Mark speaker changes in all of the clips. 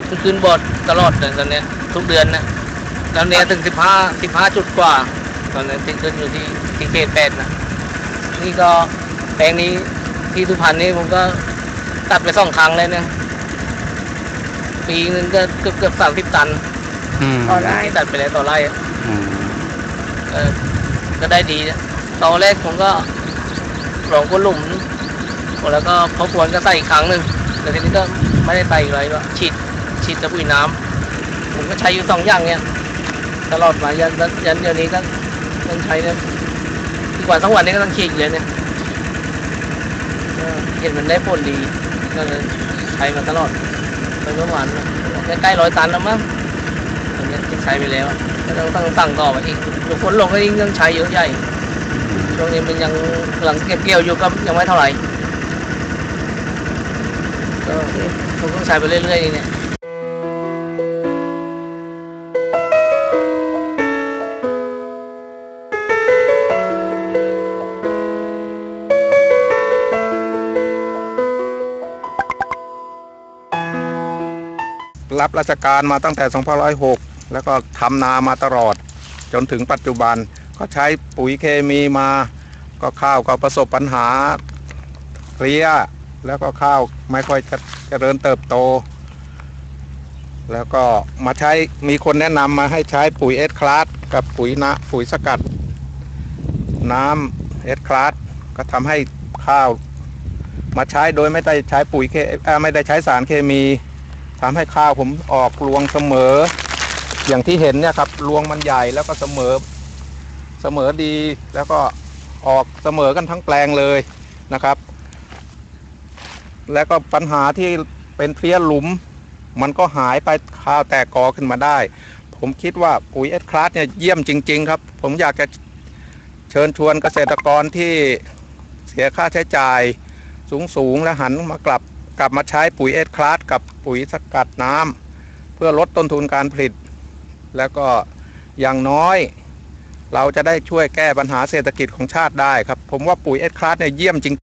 Speaker 1: ขึ้นบอร์ดตลอดเลยตอนนี้ทุกเดือนนะตอนนี้ถึง15จุดกว่าตอนนี้ที่ขึ้นอยู่ที่เขต8นะนี่ก็แปลงนี้ที่สุพรรณนี้ผมก็ตัดไป2 ครั้งเลยเนี่ยปีนึงก็เกือบ30 ตันต่อไร่ที่ตัดไปแล้วต่อไร่ก็ได้ดีตอนแรกผมก็ลองก้นหลุมแล้วก็พอควรก็ใส่อีกครั้งหนึ่งแต่ทีนี้ก็ไม่ได้ใส่อะไรก็ฉีดตะปุยน้ำผมก็ใช้อยู่2 อย่างเนี่ยตลอดมายันเดี๋ยวนี้ก็ต้องใช้เนี่ยทุกวันทั้งวันนี้ก็ต้องฉีดเลยเนี่ยเห็นมันได้ผลดีก็เลยใช้มาตลอดไปเมื่อวานใกล้100 ตันแล้วมั้งตอนนี้ที่ใช้ไปแล้วก็ต้องสั่งต่อไปอีกดูฝนลงก็ยิ่งต้องใช้เยอะใหญ่ช่วงนี้มันยังหลังเก็บเกี่ยวอยู่ก็ยังไม่เท่าไหร่ก็ผมต้องใช้ไปเรื่อยๆเนี่ย
Speaker 2: รับราชการมาตั้งแต่2506แล้วก็ทำนามาตลอดจนถึงปัจจุบันก็ใช้ปุ๋ยเคมีมาก็ข้าวก็ประสบปัญหาเพลี้ยแล้วก็ข้าวไม่ค่อยเจริญเติบโตแล้วก็มาใช้มีคนแนะนำมาให้ใช้ปุ๋ยเอสคลาสกับปุ๋ยสกัดน้ำเอสคลาสก็ทำให้ข้าวมาใช้โดยไม่ได้ใช้ไม่ได้ใช้สารเคมีทำให้ข้าวผมออกรวงเสมออย่างที่เห็นเนี่ยครับรวงมันใหญ่แล้วก็เสมอดีแล้วก็ออกเสมอกันทั้งแปลงเลยนะครับแล้วก็ปัญหาที่เป็นเพลี้ยหลุมมันก็หายไปข้าวแตกกอขึ้นมาได้ผมคิดว่าปุ๋ยเอสคลาสเนี่ยเยี่ยมจริงๆครับผมอยากจะเชิญชวนเกษตรกรที่เสียค่าใช้จ่ายสูงและหันมากลับมาใช้ปุ๋ยเอสคลาสกับปุ๋ยสกัดน้ำเพื่อลดต้นทุนการผลิตแล้วก็อย่างน้อยเราจะได้ช่วยแก้ปัญหาเศรษฐกิจของชาติได้ครับผมว่าปุ๋ยเอสคลาสเนี่ยเยี่ยมจริง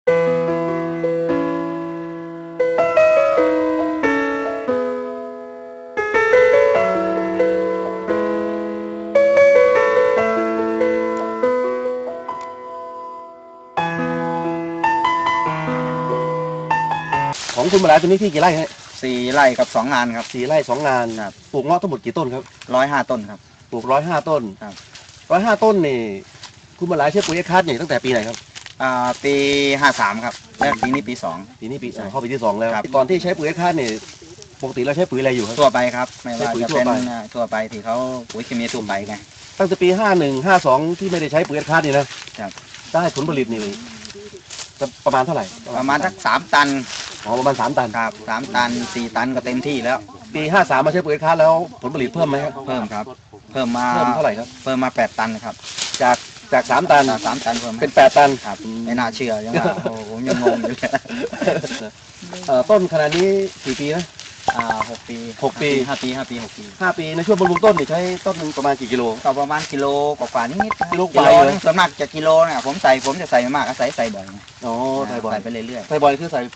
Speaker 3: ของคุณมาลายตัวนี้ที่กี่ไร่ฮะ
Speaker 4: 4 ไร่กับ2 งานครับ
Speaker 3: 4 ไร่ 2 งานปลูกเงาะทั้งหมดกี่ต้นครับ
Speaker 4: 105 ต้นครับ
Speaker 3: ปลูก105 ต้น
Speaker 4: ครับ
Speaker 3: 105 ต้นนี่คุณมาลายใช้ปุ๋ยเอสคลาสเนี่ยตั้งแต่ปีไหนครับ
Speaker 4: ปี53ครับแล้วปีนี้ปี2
Speaker 3: เข้าปีที่2แล้วตอนที่ใช้ปุ๋ยเอสคลาสเนี่ยปกติเราใช้ปุ๋ยอะไรอยู่ครับ
Speaker 4: ทั่วไปครับไม่ว่าจะเป็นทั่วไปที่เขาปุ๋ยเคมีทั่วไปไง
Speaker 3: ตั้งแต่ปี51 52ที่ไม่ได้ใช้ปุ๋ยเอสคลาสนี่นะครับได้ผลผลิตนี่ประมาณเท่าไหร่
Speaker 4: ประมาณสัก3 ตัน
Speaker 3: ประมาณ3 ตัน
Speaker 4: ครับ3 ตัน 4 ตันก็เต็มที่แล้ว
Speaker 3: ปี53มาใช้ปุ๋ยเอสคลาสแล้วผลผลิตเพิ่มไหมครับ
Speaker 4: เพิ่มครับเพิ่ม
Speaker 3: เท่าไหร่ครับ
Speaker 4: เพิ่มมา8 ตันครับ
Speaker 3: จาก3 ตัน
Speaker 4: 3 ตันเพิ่ม
Speaker 3: เป็น8 ตัน
Speaker 4: ครับไม่น่าเชื่อยังว่าผมยังงงอยู่เลย
Speaker 3: ต้นขนาดนี้กี่ปีนะ
Speaker 4: 6 ปี
Speaker 3: 5 ปี
Speaker 4: 5 ปี
Speaker 3: ในช่วงบำรุงต้นนี่ใช้ต้นนึงประมาณกี่กิโล
Speaker 4: ก็ประมาณกิโลกว่านิด
Speaker 3: กิโล
Speaker 4: ส่วนมากจะกิโลเนี่ยผมจะใส่มากใส่บ่อย
Speaker 3: ใส่บ่อย
Speaker 4: ใส่ไปเรื่อย
Speaker 3: ๆใส่บ่อยคือใส่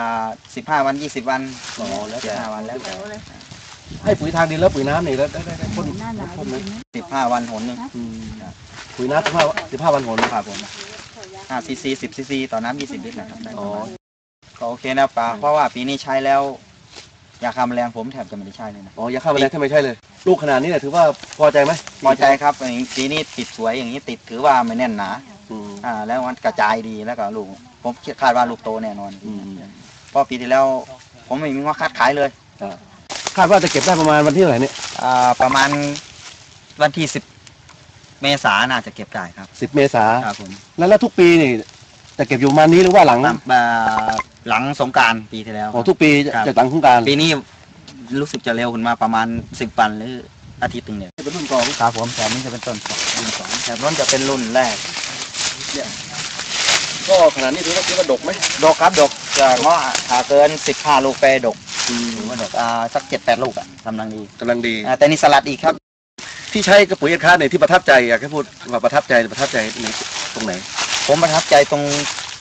Speaker 4: 15 วัน20 วัน
Speaker 3: แล้ว
Speaker 4: 15 วันแล้ว
Speaker 3: ให้ปุ๋ยทางดินแล้วปุ๋ยน้ำนี่แล้วได้พ่นไหม
Speaker 4: 15 วันหนนึง
Speaker 3: ปุ๋ยน้ำ15 วันหน
Speaker 4: ครับผม5 cc 10 cc ต่อน้ำ20 ลิตรนะครับก็โอเคนะป่าเพราะว่าปีนี้ใช้แล้วยาฆ่าแมลงผมแทบจะไม่ได้ใช้เลยนะ
Speaker 3: ยาฆ่าแมลงแทบไม่ใช่เลยลูกขนาดนี้เนี่ยถือว่าพอใจไหม
Speaker 4: พอใจครับปีนี้ติดสวยอย่างนี้ติดถือว่าไม่แน่นหนาแล้วมันกระจายดีแล้วก็ลูกผมคาดว่าลูกโตแน่นอนเพราะปีที่แล้วผมไม่มีว่าคาดขายเลย
Speaker 3: คาดว่าจะเก็บได้ประมาณวันที่เท่าไหร่เนี่ย
Speaker 4: ประมาณวันที่10 เมษายนน่าจะเก็บได้ครับ
Speaker 3: 10 เมษายน
Speaker 4: ครับผม
Speaker 3: แล้วทุกปีนี่จะเก็บอยู่ประมาณนี้หรือว่าหลัง
Speaker 4: สงกรานต์ปีที่แล้ว
Speaker 3: ทุกปีจะหลังสงกรานต์
Speaker 4: ปีนี้รู้สึกจะเร็วขึ้นมาประมาณ10 วันหรืออาทิตย์นึงเนี่ย
Speaker 3: เป็นรุ่น2
Speaker 4: ครับผมแถบนี้จะเป็นต้นรุ่น2แถบนั้นจะเป็นรุ่นแรก
Speaker 3: ก็ขนาดนี้ถือว่าดกไหม
Speaker 4: ดกครับดกจะเงาะถ้าเกิน15 ลูกไปดกถือว่าดกสัก7-8 ลูกกำลังดีแต่นี่สลัดอีกครับ
Speaker 3: ที่ใช้กระปุ๋ยเอสคลาสเนี่ยที่ประทับใจอยากให้พูดว่าประทับใจในตรงไหน
Speaker 4: ผมประทับใจตรง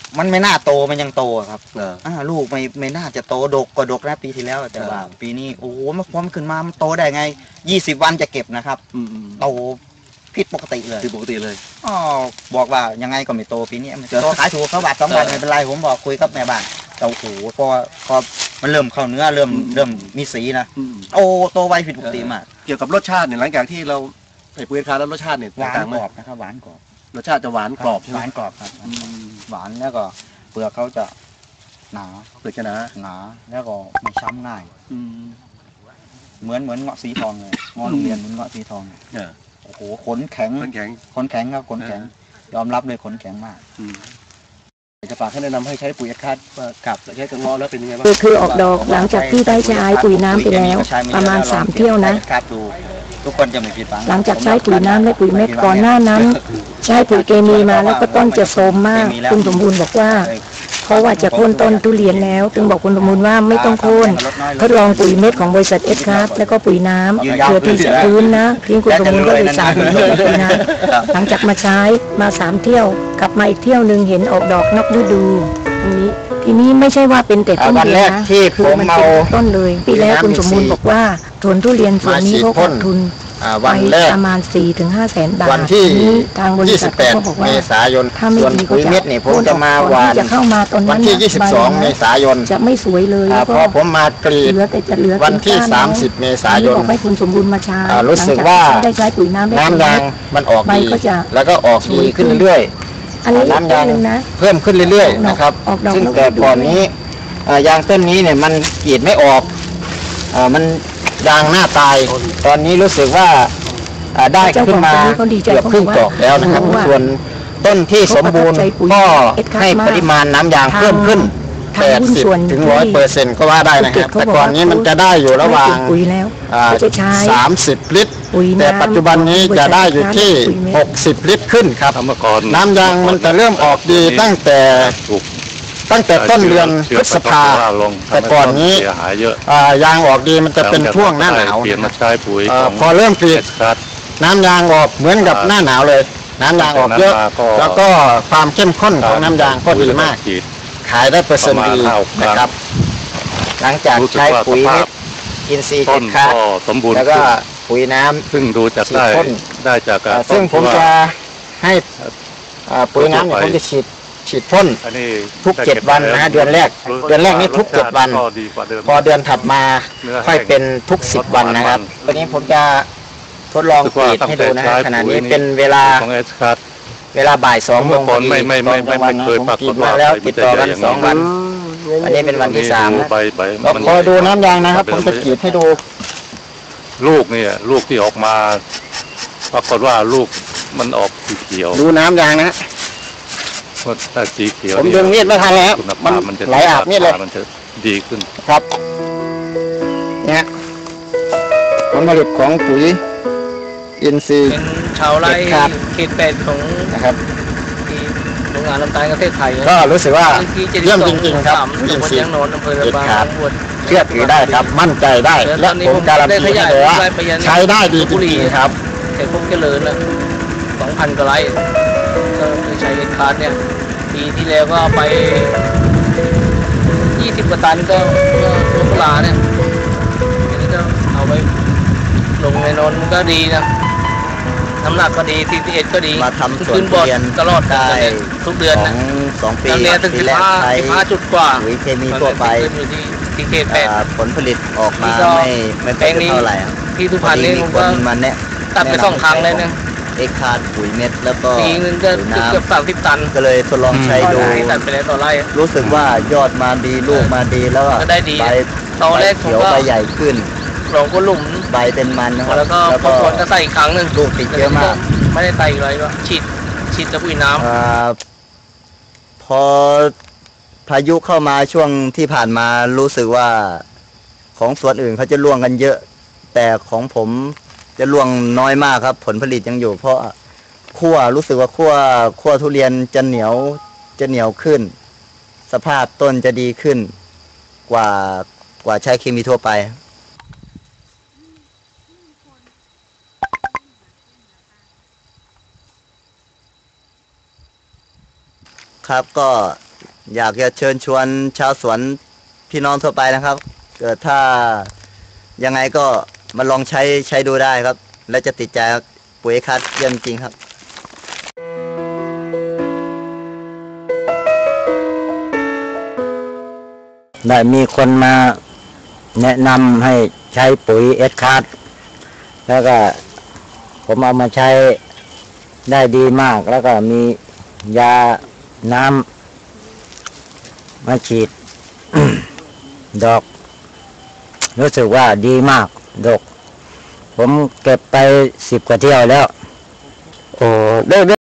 Speaker 4: มันไม่น่าโตมันยังโตอะครับ
Speaker 3: เออ
Speaker 4: ลูกไม่น่าจะโตดกกว่าดกนะปีที่แล้วแต่ว่าปีนี้โอ้โหมันพร้อมขึ้นมามันโตได้ไง20 วันจะเก็บนะครับ
Speaker 3: อืม
Speaker 4: โตผิดปกติเลย
Speaker 3: คือปกติเลย
Speaker 4: อ๋อบอกว่ายังไงก็ไม่โตปีนี้มันโตขายถูกเขาบาท2 บาทไม่เป็นไรผมบอกคุยกับแม่บ้านแต่โอ้โหพอมันเริ่มเข้าเนื้อเริ่มมีสีนะ
Speaker 3: อืม
Speaker 4: โตไวผิดปกติมาก
Speaker 3: เกี่ยวกับรสชาติเนี่ยหลังจากที่เราใส่ปุ๋ยคาแล้วรสชาติเนี่ย
Speaker 4: หวาน
Speaker 3: ต่างไห
Speaker 4: ก
Speaker 3: ม
Speaker 4: รอบนะครับหวานกรอบ
Speaker 3: รสชาติจะหวานกรอบใช่
Speaker 4: ห
Speaker 3: ไหม
Speaker 4: วานกรอบครับ
Speaker 3: อืม
Speaker 4: หวานแล้วก็เปลือกเขาจะหนา
Speaker 3: เปลือกจะหนา
Speaker 4: แล้วก็ไม่ช้ำง่าย
Speaker 3: อืม
Speaker 4: เหมือนเงาะสีทองเลยเงาะโรงเรียนเหมือนเงาะสีทองเลย
Speaker 3: เออ
Speaker 4: โอ้โหขนแข็ง
Speaker 3: มันแข็ง
Speaker 4: ขนแข็งครับขนแข็งยอมรับเลยขนแข็งมาก
Speaker 3: อืมจะฝากให้แนะนำให้ใช้ปุ๋ยคาดกับใช้กระงอแล้วเป็นยังไงบ้าง
Speaker 5: คือออกดอกหลังจากที่ได้ใช้ปุ๋ยน้ำไปแล้วประมาณ3 เที่ยวนะ
Speaker 4: ครับดูทุกคนจะไม่ผิดหวัง
Speaker 5: หลังจากใช้ปุ๋ยน้ำและปุ๋ยเม็ดก่อนหน้านั้น ใช้ปุ๋ยเคมีมาแล้วก็ต้นจะโทรมมากคุณสมบูรณ์บอกว่า เพราะว่าจะโค่นต้นทุเรียนแล้วจึงบอกคุณสมบูรณ์ว่าไม่ต้องโค่นทดลองปุ๋ยเม็ดของบริษัทเอสคาร์แล้วก็ปุ๋ยน้ำเพื่อที่จะพื้นนะทิ้งคุณสมบูรณ์ก็เลยสั่งปุ๋ยเม็ดปุ๋ยน้ำหลังจากมาใช้มา3 เที่ยวกลับมาอีกเที่ยวหนึ่งเห็นออกดอกนอกฤดูทีนี้ไม่ใช่ว่าเป็นแต่ต้นเดียวนะคือมันเป็นต้นเลยปีแล้วคุณสมบูรณ์บอกว่าสวนทุเรียนสวนนี้เขาขาดทุนไปประมาณ4-5 แสนบาทวันที่ทางบริษัทเขาบอกว่า
Speaker 6: เมษายน
Speaker 5: ถ้าไม่ดีก็จะ
Speaker 6: ผมจะมาหวาน
Speaker 5: จะเข้ามาตอน
Speaker 6: วั
Speaker 5: นั้น น
Speaker 6: ที่ 22 เมษายน
Speaker 5: จะไม่สวยเลยแล้ว
Speaker 6: พ
Speaker 5: ก็
Speaker 6: อผมมากรีด
Speaker 5: เหลือแต่จะเหลือ
Speaker 6: วันที่
Speaker 5: ก้านแล้ว
Speaker 6: 30 เมษายน
Speaker 5: บอกให้คุณสมบูรณ์มาใช้
Speaker 6: รู้สึกว่า
Speaker 5: หลังจได้ใช้ปุ๋ยน้ำและ
Speaker 6: น้ำยางมันออก
Speaker 5: ใบ
Speaker 6: ดี
Speaker 5: ก็จะ
Speaker 6: แล้วก็ออกดีขึ้นเรื่อย
Speaker 5: อันนี้
Speaker 6: น้ำยาง
Speaker 5: ต้นหนึ่งนะ
Speaker 6: ๆ เพิ่มขึ้นเรื่อยๆนะครับ
Speaker 5: ออกดอก
Speaker 6: ซึ่ง
Speaker 5: แล้ว
Speaker 6: แต่ก่อนนี้ยางต้นนี้เนี่ยมันกรีดไม่ออกมันยางหน้าตาย ตอนนี้รู้สึกว่าได้ขึ้นมาเกือบครึ่งดอกแล้วนะครับ ส่วนต้นที่สมบูรณ์ก็ให้ปริมาณน้ำยางเพิ่มขึ้น 80 ถึง 100% ก็ว่าได้นะครับ แต่ก่อนนี้มันจะได้อยู่ระหว่าง
Speaker 5: ปุ๋ยแล้ว
Speaker 6: 30 ลิตร
Speaker 5: ปุ๋ยน้ำ
Speaker 6: แต่ปัจจุบันนี้จะได้อยู่ที่ 60 ลิตรขึ้นครับ
Speaker 2: เมื่อก่อน
Speaker 6: น้ำยางมันจะเริ่มออกดีตั้งแต่ต้นเดือนพฤษภา แต่ก่อนนี้
Speaker 2: เสียหายเยอะ
Speaker 6: ยางออกดีมันจะเป็นช่วงหน้าหนาว
Speaker 2: เปลี่ยนมาใช้ปุ๋ย
Speaker 6: พอเริ่มกรีด
Speaker 2: ครับ
Speaker 6: น้ำยางออกเหมือนกับหน้าหนาวเลย น้ำยางออกเยอะ แล้วก็ความเข้มข้นของน้ำยางก็ดีมาก ขายได้เปอร์เซ็นต์ดีนะครับ หลังจากใช้ปุ๋ยเม็ดอินทรีย์
Speaker 2: ต้
Speaker 6: เจ็
Speaker 2: น
Speaker 6: ดคาร์
Speaker 2: ก็สมบูรณ์
Speaker 6: แล้วก็ปุ๋ยน้ำ
Speaker 2: ซึ่งดูจากได้
Speaker 6: ฉีดพ่น
Speaker 2: ได้จากการ
Speaker 6: ซึ่งผม
Speaker 2: ต้น
Speaker 6: จะให้ปุ๋ยน้ำเนี่ยผมจะฉีดพ่น
Speaker 2: อันนี้
Speaker 6: ทุก 7 วันนะเดือนแรกนี่ทุก 7 วัน
Speaker 2: ก็ดีกว่าเดิม
Speaker 6: พอเดือนถัดมาค่อยเป็นทุก 10 วันนะครับวันนี้ผมจะทดลองกรีดให้ดูนะขณะนี้เป็นเวลา
Speaker 2: ของเอสคัส
Speaker 6: เวลาบ่าย2 โมงพอดี
Speaker 2: ไม่เคย
Speaker 6: ผม
Speaker 2: ปรากฏ
Speaker 6: กรีดมาแล้ว
Speaker 2: ว่า
Speaker 6: ติดต่อกัน
Speaker 2: มันจะใหญ่อย่างนี้
Speaker 6: 2 วัน อันนี้เป็นวันที่3นะ
Speaker 2: ใบ
Speaker 6: เราคอยดูน้ำยางนะครับ ผมจะกรีดให้ดู
Speaker 2: ลูกเนี่ยลูกที่ออกมาปรากฏว่าลูกมันออกสีเขียว
Speaker 6: ดูน้ำยางนะ
Speaker 2: ถ้าสีเขียว
Speaker 6: ผมดึงมีดไม่ทันแล้ว
Speaker 2: คุณ
Speaker 6: มัน
Speaker 2: ภาพมันจะ
Speaker 6: ไหลอาบมีดเลย
Speaker 2: มันจะดีขึ้น
Speaker 6: ครับเนี่ยผลผลิตของปุ๋ยอินทรีย์
Speaker 1: เป็นชาวไร่
Speaker 6: เด็ดขาด
Speaker 1: เขต8ของ
Speaker 6: นะครับ
Speaker 1: ที่โรงงานน้ำตาลประเทศไทย
Speaker 6: ก็รู้สึกว่า
Speaker 1: ที่
Speaker 6: เยี่ยมจริงๆครับ
Speaker 1: ตำบลยางโนนอำเภอระบาง
Speaker 6: เด็ดขาด
Speaker 1: บวช
Speaker 6: เชื่อถือได้ครับ มั่นใจได้ และผมการันตีให้เลยว่าใช้ได้ดีจริงๆครับ
Speaker 1: แต่พวกเจริญละ2,000 กว่าไร่ก็คือใช้เอ็ดคาร์ดเนี่ยปีที่แล้วก็ไป20 กว่าตันก็ลงปลาเนี่ยทีนี้ก็เอาไปลงในโนนมันก็ดีนะน้ำหนักก็ดี41ก็ดี
Speaker 6: มาทำสวน
Speaker 1: ขึ้นบอด
Speaker 6: ทุเรียน
Speaker 1: ตลอด
Speaker 6: ได้
Speaker 1: ทุกเดือนนะ
Speaker 6: 2 ปี
Speaker 1: ตอนนี้ถึง
Speaker 6: ปีแรกใช้
Speaker 1: 15 จุดกว่า
Speaker 6: ปุ๋ยเคมีทั่วไป
Speaker 1: ขึ้นอยู่ที่เขต
Speaker 6: ผลผลิตออกมา
Speaker 1: นี่ก็
Speaker 6: ไม่เป็นเท่าไหร่ครับ
Speaker 1: 8ที่สุพรรณนี่
Speaker 6: มี
Speaker 1: ผม
Speaker 6: ค
Speaker 1: ก็
Speaker 6: นมาแนะ
Speaker 1: ตัดไป2 ครั้งเลยนะ
Speaker 6: เอ็กคาร์ดปุ๋ยเม็ดแล้วก็
Speaker 1: ปีนึงก็
Speaker 6: ปุ๋ยน้
Speaker 1: เกือบ30 ตัน
Speaker 6: ำก็เลยทดลองใช้ดู
Speaker 1: ตัดไปแล้วต่อไร่
Speaker 6: รู้สึกว่ายอดมาดีลูกมาดีแล้วก็
Speaker 1: ก็ได้ดี
Speaker 6: ใบ
Speaker 1: ตอนแรกผม
Speaker 6: เขียว
Speaker 1: ก็
Speaker 6: ใบใหญ่ขึ้น
Speaker 1: ลงก็หลุม
Speaker 6: ใบเป็นมันนะครับ
Speaker 1: แล้วก็พอฝนก็ใส่อีกครั้งหนึ่ง
Speaker 6: ลูกติดเยอะมาก
Speaker 1: ไม่ได้ใส่อีกเลยก็ฉีดกับปุ๋ยน้ำ
Speaker 6: พอพายุเข้ามาช่วงที่ผ่านมารู้สึกว่าของสวนอื่นเขาจะร่วงกันเยอะ แต่ของผมจะร่วงน้อยมากครับ ผลผลิตยังอยู่ เพราะรู้สึกว่าขั้วทุเรียนจะเหนียวขึ้น สภาพต้นจะดีขึ้นกว่าใช้เคมีทั่วไป ครับก็อยากจะเชิญชวนชาวสวนพี่น้องทั่วไปนะครับ เกิดถ้ายังไงก็มาลองใช้ดูได้ครับ และจะติดใจปุ๋ยเอ็กซ์คลาสเยี่ยมจริงครับได้มีคนมาแนะนำให้ใช้ปุ๋ยเอ็กซ์คลาสแล้วก็ผมเอามาใช้ได้ดีมากแล้วก็มียาน้ำมาฉีด ดอกรู้สึกว่าดีมากดอกผมเก็บไป10 กว่าเที่ยวแล้วโอ้ได้